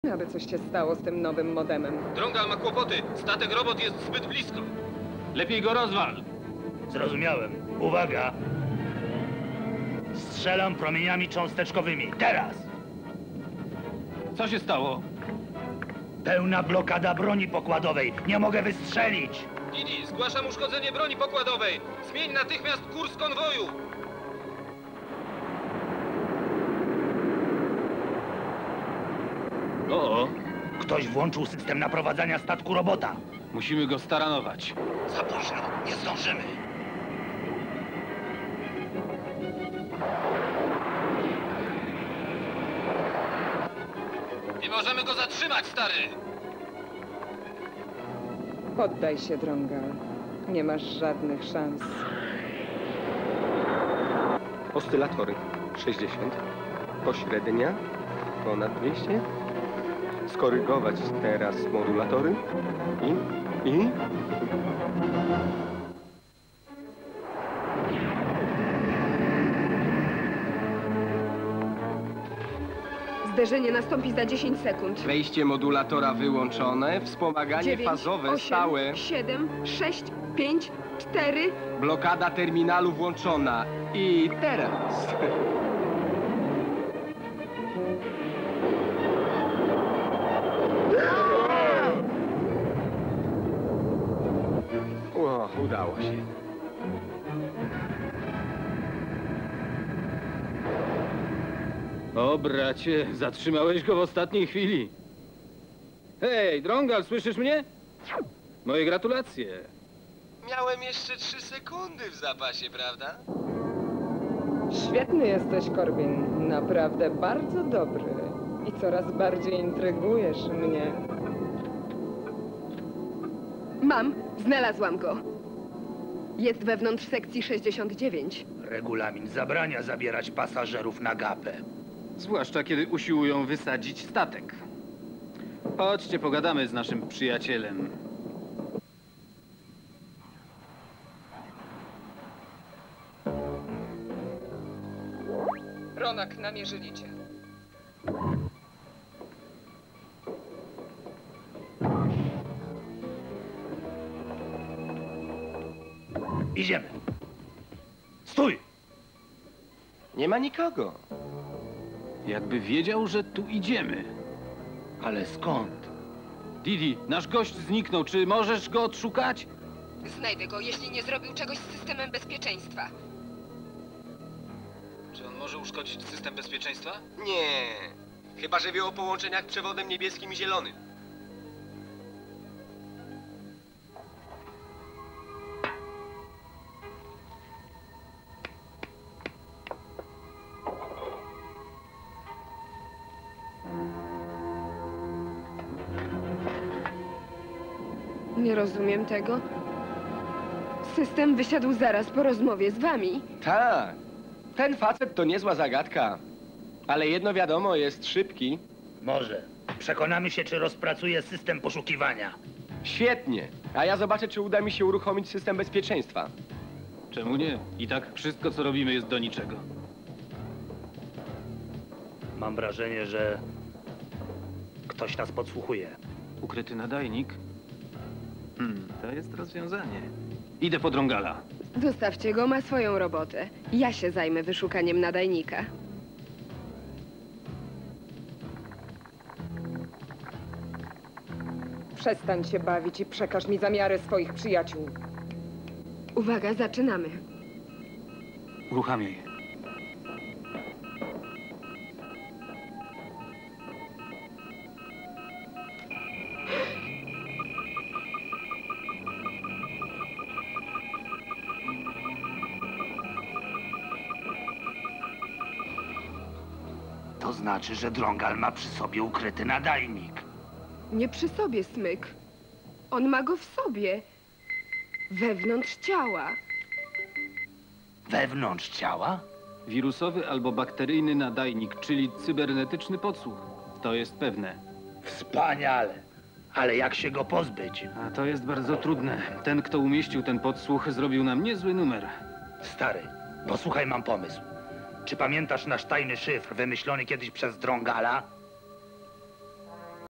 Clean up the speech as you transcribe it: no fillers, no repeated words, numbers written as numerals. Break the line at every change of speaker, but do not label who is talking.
aby coś się stało z tym nowym modemem.
Drągal ma kłopoty. Statek robot jest zbyt blisko. Lepiej go rozwal.
Zrozumiałem. Uwaga! Strzelam promieniami cząsteczkowymi. Teraz!
Co się stało?
Pełna blokada broni pokładowej. Nie mogę wystrzelić!
Didi, zgłaszam uszkodzenie broni pokładowej. Zmień natychmiast kurs konwoju. O,
Ktoś włączył system naprowadzania statku robota.
musimy go staranować.
Za późno. Nie zdążymy.
Nie możemy go zatrzymać, stary.
Poddaj się, Drągal. Nie masz żadnych szans.
Oscylatory 60, pośrednia ponad 200, skorygować teraz modulatory i...
Zderzenie nastąpi za 10 sekund.
Wejście modulatora wyłączone, wspomaganie
9,
fazowe
8,
stałe,
7, 6, 5, 4.
blokada terminalu włączona. I teraz... O, udało się.
O, bracie, zatrzymałeś go w ostatniej chwili. Hej, Drągal, słyszysz mnie? Moje gratulacje.
Miałem jeszcze 3 sekundy w zapasie, prawda?
Świetny jesteś, Corbin. Naprawdę bardzo dobry. I coraz bardziej intrygujesz mnie.
Mam, znalazłam go. Jest wewnątrz sekcji 69.
Regulamin zabrania zabierać pasażerów na gapę.
Zwłaszcza kiedy usiłują wysadzić statek. Chodźcie, pogadamy z naszym przyjacielem.
Ronak, namierzyli cię.
Idziemy. Stój!
Nie ma nikogo.
Jakby wiedział, że tu idziemy.
Ale skąd?
Didi, nasz gość zniknął. Czy możesz go odszukać?
Znajdę go, jeśli nie zrobił czegoś z systemem bezpieczeństwa.
Czy on może uszkodzić system bezpieczeństwa?
Nie. Chyba, że wie o połączeniach przewodem niebieskim i zielonym.
Nie rozumiem tego. System wysiadł zaraz po rozmowie z wami.
Tak. Ten facet to niezła zagadka. Ale jedno wiadomo, jest szybki.
Może. Przekonamy się, czy rozpracuje system poszukiwania.
Świetnie. A ja zobaczę, czy uda mi się uruchomić system bezpieczeństwa.
Czemu nie? I tak wszystko, co robimy, jest do niczego.
Mam wrażenie, że ktoś nas podsłuchuje.
Ukryty nadajnik? To jest rozwiązanie. Idę po Drągala.
Zostawcie go, ma swoją robotę. Ja się zajmę wyszukaniem nadajnika.
Przestań się bawić i przekaż mi zamiary swoich przyjaciół.
Uwaga, zaczynamy.
Uruchamiaj.
To znaczy, że Drągal ma przy sobie ukryty nadajnik.
Nie przy sobie, Smyk. On ma go w sobie. Wewnątrz ciała.
Wewnątrz ciała?
Wirusowy albo bakteryjny nadajnik, czyli cybernetyczny podsłuch. To jest pewne.
Wspaniale. Ale jak się go pozbyć?
A to jest bardzo trudne. Ten, kto umieścił ten podsłuch, zrobił nam niezły numer.
Stary, posłuchaj, mam pomysł. Czy pamiętasz nasz tajny szyfr wymyślony kiedyś przez Drągala?